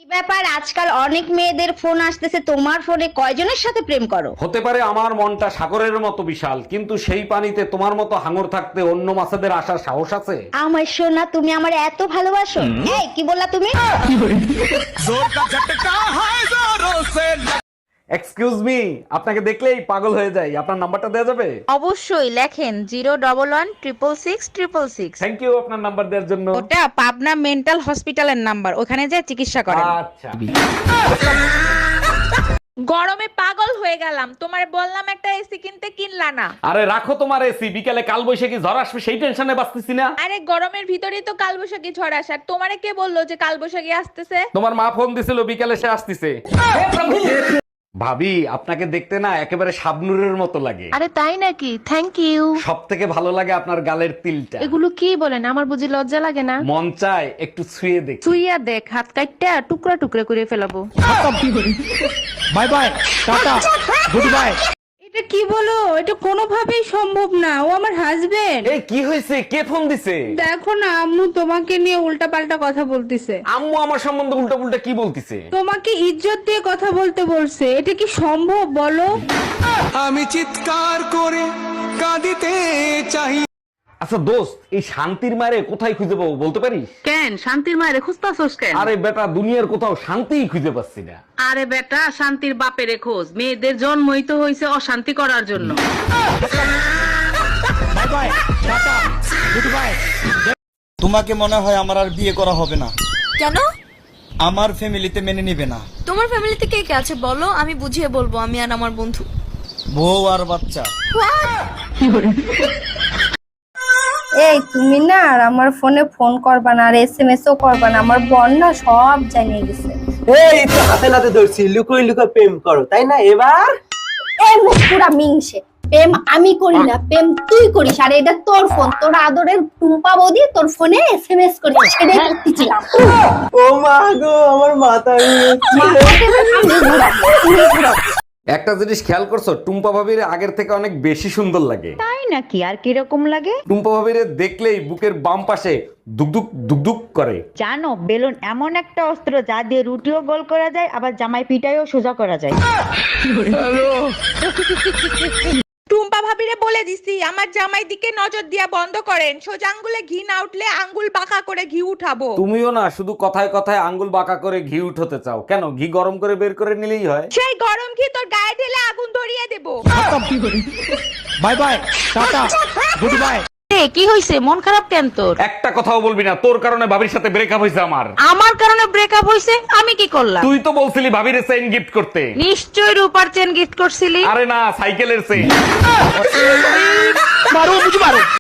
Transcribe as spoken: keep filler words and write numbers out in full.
কি ব্যাপার, আজকাল অনেক মেয়েদের ফোন আসতেছে, তোমার ফোনে কয়জনের সাথে প্রেম করো? হতে পারে আমার মনটা সাগরের মতো বিশাল, কিন্তু সেই পানিতে তোমার মতো হাঙর থাকতে অন্য মাছেদের আসার সাহস আছে? আমার সোনা, তুমি আমার এত ভালোবাসো? এই কি বললা তুমি? এক্সকিউজ মি, আপনাকে দেখলেই পাগল হয়ে যাই, আপনার নাম্বারটা দেওয়া যাবে? অবশ্যই লেখেন zero double one triple six triple six. Thank you আপনার নাম্বার দেওয়ার জন্য। ওটা পাবনা মেন্টাল হসপিটালের নাম্বার, ওখানে যে চিকিৎসা করেন। আচ্ছা। গরমে পাগল হয়ে গেলাম, তোমার বললাম একটা এসি কিনতে, কিনলা না। আরে রাখো তোমার এসি, বিকালে কাল বৈশাখী ঝড় আসবে সেই টেনশনে বাঁচতেছি না। আরে গরমের ভিতরেই তো কালবৈশাখী ঝড় আসার, তোমারে কে বললো যে কালবৈশাখী আসতেছে? তোমার মা ফোন দিছিল বিকালে সে আসতেছে। ভাবি, আপনাকে দেখতে না একেবারে শাবনুরের মতো লাগে। আরে তাই নাকি? Thank you. সব থেকে ভালো লাগে আপনার গালের তিলটা। এগুলো কি বলেন, আমার বুঝি লজ্জা লাগে না? মন চায় একটু ছুঁয়ে দেখ। সুইয়া দেখ, হাত কাটটা টুকরা টুকরা করে ফেলাবো। Bye bye, tata, goodbye. এটা কি বলো? এটা কোনোভাবেই সম্ভব না, ও আমার হাজবেন্ড। এই কি হয়েছে, কে ফোন দিছে? দেখো না, আম্মু তোমাকে নিয়ে উল্টাপাল্টা কথা বলতেছে। আম্মু আমার সম্বন্ধে উল্টা পুল্টা কি বলতিছে? তোমাকে ইজ্জত দিয়ে কথা বলতে বলছে। এটা কি সম্ভব বলো? আমি চিৎকার করে কাঁদিতে চাই। আচ্ছা দোস্ত, এই শান্তির মারে কোথায় খুঁজে পাবো বলতে পারিস? কেন শান্তির মায়ের খুঁজতাছস কেন? আরে বেটা, দুনিয়ার কোথাও শান্তিই খুঁজে পাচ্ছি না। আরে বেটা, শান্তির বাপের খোঁজ। মেয়েদের জন্মই তো হয়েছে অশান্তি করার জন্য। Bye bye, tata, goodbye. তোমাকে মনে হয় আমার আর বিয়ে করা হবে না। কেন? আমার ফ্যামিলিতে মেনে নিবে না। তোমার ফ্যামিলিতে কে কে আছে বলো, আমি বুঝিয়ে বলবো, আমি আর আমার বন্ধু। বউ আর বাচ্চা। এই তুমি না আর আমার ফোনে ফোন করবা না, আর এসএমএস ও করবা না, আমার বোন না সব জানিয়ে গেছে। এই তো হাতে নাতে ধরছি, লুকোই লুকোই প্রেম করো তাই না? এবার এই মুখ পুরা মিংসে। প্রেম আমি করি না, প্রেম তুই করিস। আর এটা তোর ফোন, তোর আদরের টুম্পা বৌদি তোর ফোনে এসএমএস করে, সেটাই করতেছিলাম। ও মা গো, আমার মাথা একটা জিনিস খেয়াল করছো, টুম্পা ভাবির আগের থেকে অনেক বেশি সুন্দর লাগে। তাই নাকি? আর কিরকম লাগে? টুম্পা ভাবির দেখলেই বুকের বাম পাশে দুকদুক দুকদুক করে। জানো, বেলুন এমন একটা অস্ত্র যা দিয়ে রুটিও গোল করা যায়, আবার জামাই পিটাইও সোজা করা যায়। টুম্পা ভাবিরে বলে দিছি আমার জামাই দিকে নজর দিয়া বন্ধ করেন, সোজা আঙ্গুলে ঘি না উঠলে আঙ্গুল বাঁকা করে ঘি উঠাবো। তুমিও না শুধু কথায় কথায় আঙ্গুল বাঁকা করে ঘি উঠাতে চাও কেন? ঘি গরম করে বের করে নিলেই হয়। সেই গরম ঘি তোর গায়ে ঢেলে আগুন ধরিয়ে দেবো। Bye bye, tata, goodbye. কি হইছে? মন খারাপ কেন তোর? একটা কথাও বলবি না, তোর কারণে ভাবির সাথে ব্রেকআপ হয়েছে আমার। আমার কারণে ব্রেকআপ হইছে? আমি কি করলাম? তুই তো বলছিলি ভাবির চেইন গিফট করতে। নিশ্চয় রূপার চেন গিফট করছিলি। আরে না, সাইকেলের চেইন।